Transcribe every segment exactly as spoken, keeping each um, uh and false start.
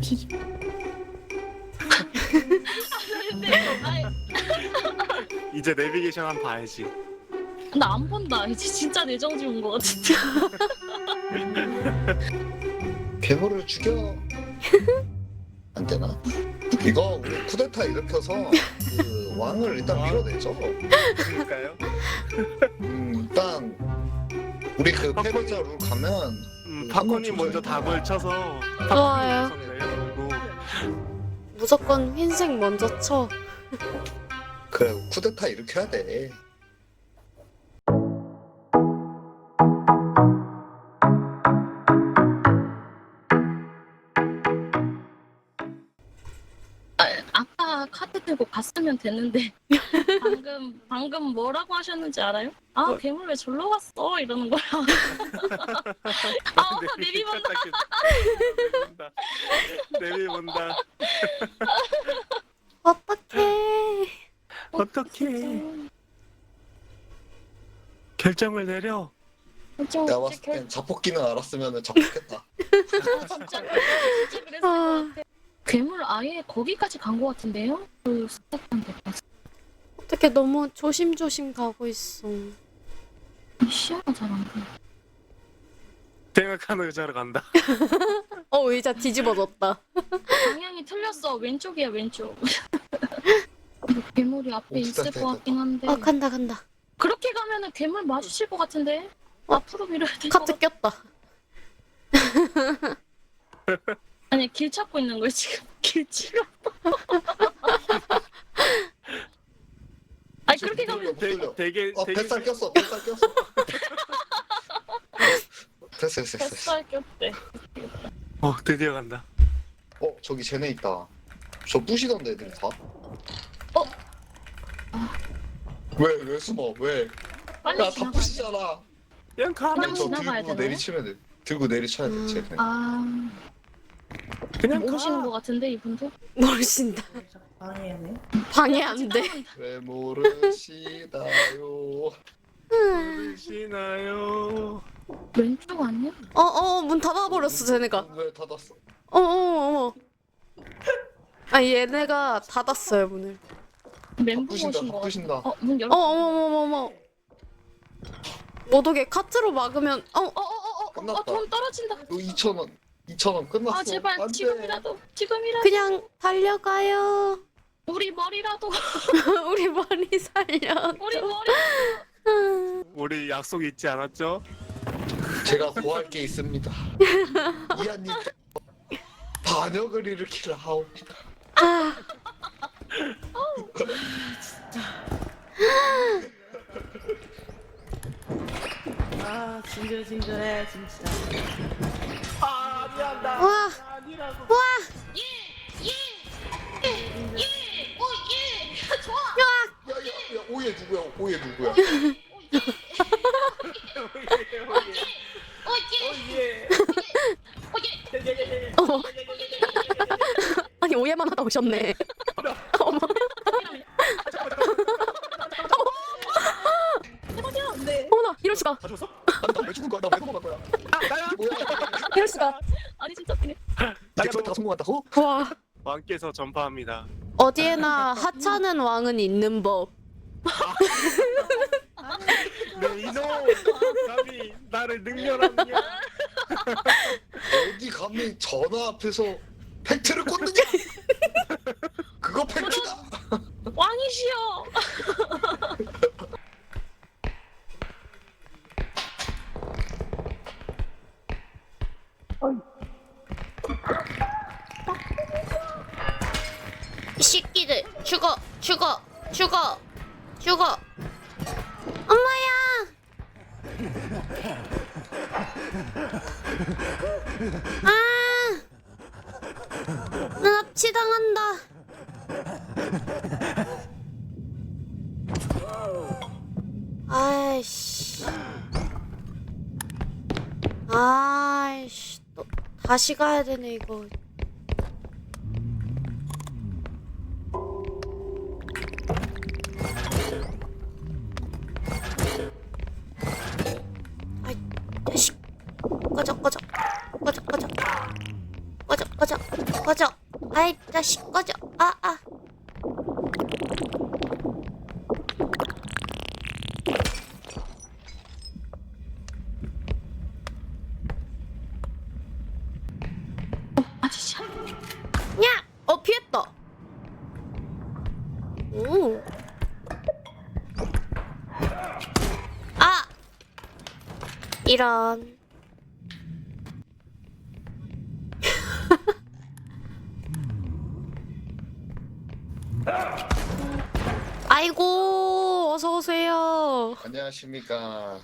이제 내비게이션 한번 봐야지. 나 안 본다. 이제 진짜 내정지 온 거 같은데. 괴물을 죽여. 안 되나? 이거 우리 쿠데타 일으켜서 그 왕을 일단 밀어내죠. 그러니까요. 음, 일단 우리 그 패배자 룰 가면 음, 팝콘이 먼저 닭을 쳐서 좋아요. 팝콘이 내려오고. 무조건 흰색 먼저 쳐. 그래 쿠데타 일으켜야 돼. 아, 아까 카드 들고 갔으면 됐는데 방금 방금 뭐라고 하셨는지 알아요? 아 뭐? 괴물 왜 절로 갔어? 이러는 거야. 아 내비 본다. 내비 본다. 어떡해. 어떡해. 결정을 내려. 결정 내가 어째 봤을 결... 땐 자폭기는 알았으면 자폭했다. 아, 진짜 진짜 그랬을 아. 것 같아. 괴물 아예 거기까지 간 것 같은데요? 그 스타트한 데까지. 어떻게 너무 조심조심 가고 있어. 시야가 잘 안 보여. 생각하는 의자로 간다. 어, 의자 뒤집어졌다. 방향이 틀렸어. 왼쪽이야 왼쪽. 괴물이 앞에 오, 있을 됐다, 것 같긴 한데. 아, 간다, 간다. 그렇게 가면은 괴물 마주칠 것 같은데. 어? 앞으로 밀어야 될 것 카트 같아. 꼈다. 아니 길 찾고 있는 거야 지금. 길 치러. 아니 그렇게 못 가면 돌려. 되게 어 되게 뱃살 꼈어. 뱃살 꼈어. 됐어 됐어 됐어. 뱃살 꼈대. 어 드디어 간다. 어 저기 쟤네 있다. 저 부시던데 애들이 다. 어? 왜 왜 숨어 왜? 빨리 야다 지나가야 돼. 부시잖아. 그냥 가라. 그냥 저 지나가야 들고 되나요? 내리치면 돼. 들고 내리쳐야 돼 음. 쟤네. 아 그냥 모르시는 가. 것 같은데 이분도. 모르신다. 방해네. 방해 안 돼. 왜 모르시나요? 모르시나요? 왼쪽 아니야? 어, 어, 문 닫아버렸어, 쟤네가. 왜 닫았어? 어, 어, 어. 아, 얘네가 닫았어요, 문을. 멘붕 바쁘신다, 오신 것 같아. 바쁘신다. 어문 어, 열어. 어머, 어머, 어머, 어머. 못 오게 카트로 막으면, 어, 어어어어 끝났다. 어, 돈 떨어진다. 너 이천 원. 이천 원 끝났어. 아 제발 안 돼. 지금이라도 지금이라도 그냥 달려가요. 우리 머리라도 우리 머리 살려. 우리 머리. 우리 약속 잊지 않았죠? 제가 구할 게 있습니다. 이하님 반역을 일으키려 하옵니다. 아, 아 징글징글해 진짜. 아 미안다. 와, 아니라고. 와, 오예 좋아. 야야야 오예 누구야? 오예 누구야? 오예 오예. 어머. 아니, 오해만 하다 오셨네. 어머. 대박이야. 네. 어머나, 이럴 수가. 다 줬어? 나왜 죽은 거야? 나 왜 도망갈 거야? 아 나야. 뭐야? 이럴 수가. 아니 진짜 웃기네. 이제 쿠데타가 성공한다고? 와. 왕께서 전파합니다. 어디에나 하찮은 왕은 있는 법. 네 이놈 감히 나를 능멸하느냐? 어디 감히 전화 앞에서 팩트를 꽂느냐? 그거 팩트다. 왕이시여. 이 새끼들 죽어, 죽어, 죽어, 죽어. 엄마야. 아, 나 납치당한다. 아이씨, 아이씨, 또 다시 가야 되네 이거. 꺼져 꺼져 꺼져 꺼져 꺼져 꺼져 꺼져 꺼져. 아이 자식 꺼져. 아 아. 아저씨. 야! 어 피했다. 오. 아! 이런. 아이고 어서 오세요. 안녕하십니까.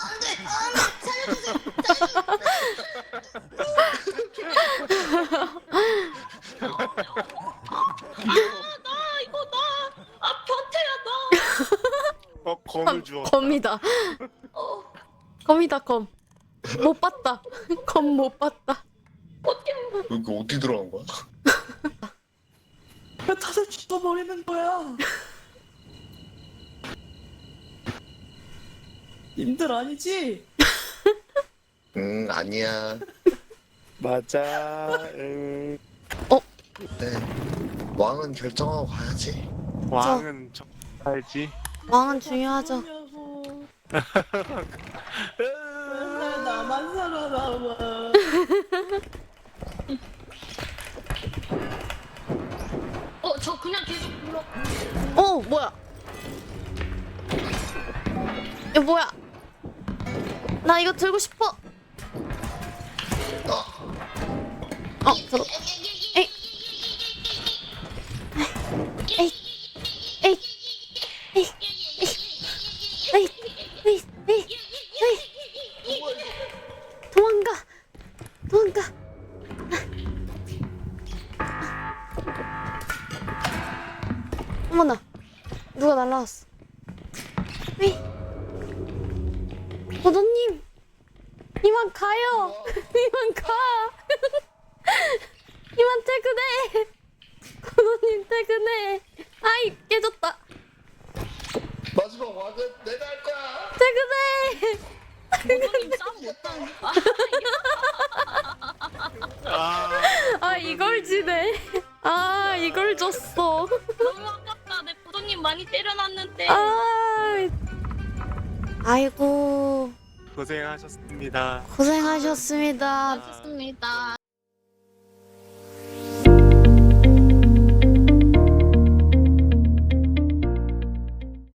나 이거 나. 아 변태야 나. 어 검을 주어. 검이다. 어 검이다 검. 못 봤다. 검 못 봤다. 여기 어디 들어간 거야? 왜 다들 죽어버리는 거야? 님들 아니지? 응 아니야. 맞아. 응. 네. 왕은 결정하고 가야지. 왕은 정 알지. 왕은 중요하죠. 뭐냐고. 맨날 나만 살아남아. 어저 그냥 계속 불러. 어 뭐야? 이거 뭐야? 나 이거 들고 싶어. 어 들어. 에이. 에이. 에이. 에이. 에이. 에이. 에이. 에이. 도망가. 도망가. 어머나. 누가 날라왔어. 에이. 도도님. 이만 가요. 이만 가. 이만 퇴근해. 도도님 퇴근해. 아이 깨졌다. 마지막 왕은 내가 할 거야. 퇴근해. 부모님 싸움 못하니까. 아. 아 이걸 지네. 아 이걸 졌어. 너무 아깝다. 내 부모님 많이 때려놨는데. 아. 아이고 고생하셨습니다. 고생하셨습니다. 좋습니다.